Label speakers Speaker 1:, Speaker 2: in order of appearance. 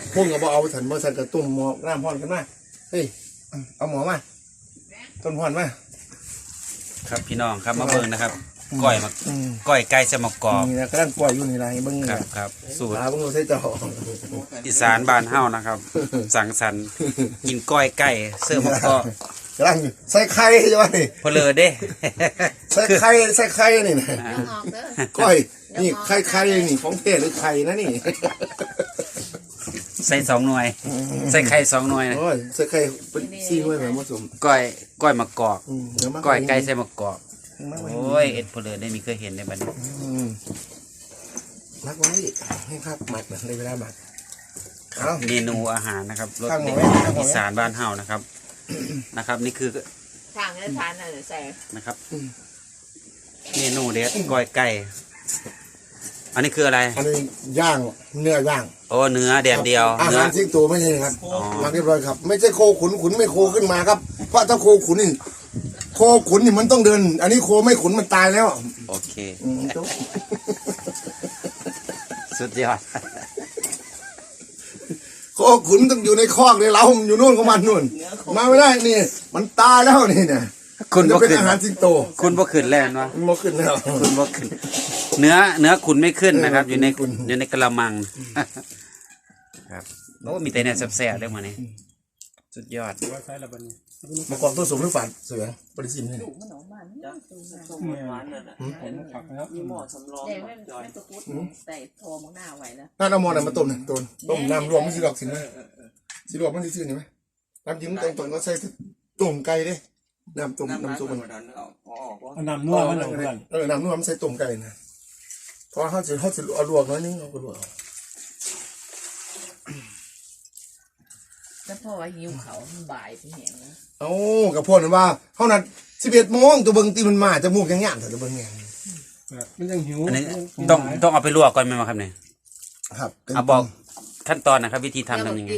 Speaker 1: พุ่งกับเอาฉันบ่ฉันกระตุ่มหมอน้ำพรกันมาเฮ้ยเอาหมอมาต้นพรมา
Speaker 2: ครับพี่น้องครับมาเบิ่งนะครับก้อยมาก้อยไก่สมกรอบ
Speaker 1: นี่นะกำลังปล่อยอยู่นี่ไรเบิ้ง
Speaker 2: ครับสูตร
Speaker 1: เบิ้งใส่จอ
Speaker 2: อีสานบ้านเฮานะครับสังสรรค์กินก้อยไก่เสื้อมะกอก
Speaker 1: กำลังใส่ไข่ใช่ไหม
Speaker 2: เพลอเด้
Speaker 1: ใส่ไข่นี่นะก้อยนี่ไข่นี่ของเทศหรือไข่นะนี่
Speaker 2: ใส่2 หน่วยใส่ไข่2 หน่วยนะ
Speaker 1: โอ้ยใส่ไข่เป็น4 หน่วยแบบผสม
Speaker 2: ก้อยมะกอกก้อยไก่ใส่มะกอกโอ้ยเอ็ดเพลอได้มีเคยเห็นในบัดนี้
Speaker 1: มักไว้ให้ครับหมักเลยเวลาหมัก
Speaker 2: เมนูอาหารนะครับรสเด็ดอีสานบ้านเฮานะครับนี่คือ
Speaker 3: ทางทานอะไรใส่
Speaker 2: นะครับเมนูเด็ดก้อยไก่อันนี้คืออะไร
Speaker 1: อันนี้ย่างเนื้อย่าง
Speaker 2: โอ้เนื้อแดดเดียว
Speaker 1: อาหารทิ้งตัวไม่ใช่ครับหมักเรียบร้อยครับไม่ใช่โคขุนไม่โคขึ้นมาครับเพราะถ้าโคขุนนี่มันต้องเดินอันนี้โคไม่ขุนมันตายแล้ว
Speaker 2: โอเคสุดยอด
Speaker 1: โคขุนต้องอยู่ในคอกในเล้าอยู่นู่นของมันนู่นมาไม่ได้นี่มันตายแล้วนี่เนี่ย
Speaker 2: คุณบ่ขึ้น
Speaker 1: อาหารสิงโต
Speaker 2: คุณบ่ขึ้นแล้ววะ
Speaker 1: บ่ขึ้นแล้ว
Speaker 2: คุณบ่ขึ้นเนื้อคุณไม่ขึ้นนะครับอยู่ในกระมังครับโอ้มีแต่เนี่ยแซ่บๆได้มาเนี่ยสุดยอด
Speaker 1: มากอกตัวสูงหรือฝันเสือปริสินให้
Speaker 3: มีหม้อสำรองไม่ตะกุดใส่โทมหน้าไว้แล้ว
Speaker 1: น่าเอาหม้อไหนมาต้มเนี่ยต้มน้ำรวมมันสิดอกสินไหมสิดอกมันซื่อๆไหมน้ำจิ้มตรงก็ใส่ต้มไก่ดิน้ำซุปมัน
Speaker 4: น้ำนัวมัน
Speaker 1: น้ำนัวมันใส่ต้มไก่นะเพราะเขาจะเอาลวกน้อยนึงเอาไปลวก
Speaker 3: แล้วพ่อว่าหิวเขาบ่ายพี่เห็นนะ
Speaker 1: กับพวกนั้นว่าเขานัด11 โมงตัวเบิ้งตีมันมาจะมูกยังย่างแต่ตัวเบิ้งไง
Speaker 4: มันยังหิว
Speaker 2: อันนี้ต้องเอาไปลวกก่อนไหมครับเนี่ย
Speaker 1: ครับ
Speaker 2: เอาบอกขั้นตอนนะครับวิธีทำยังไง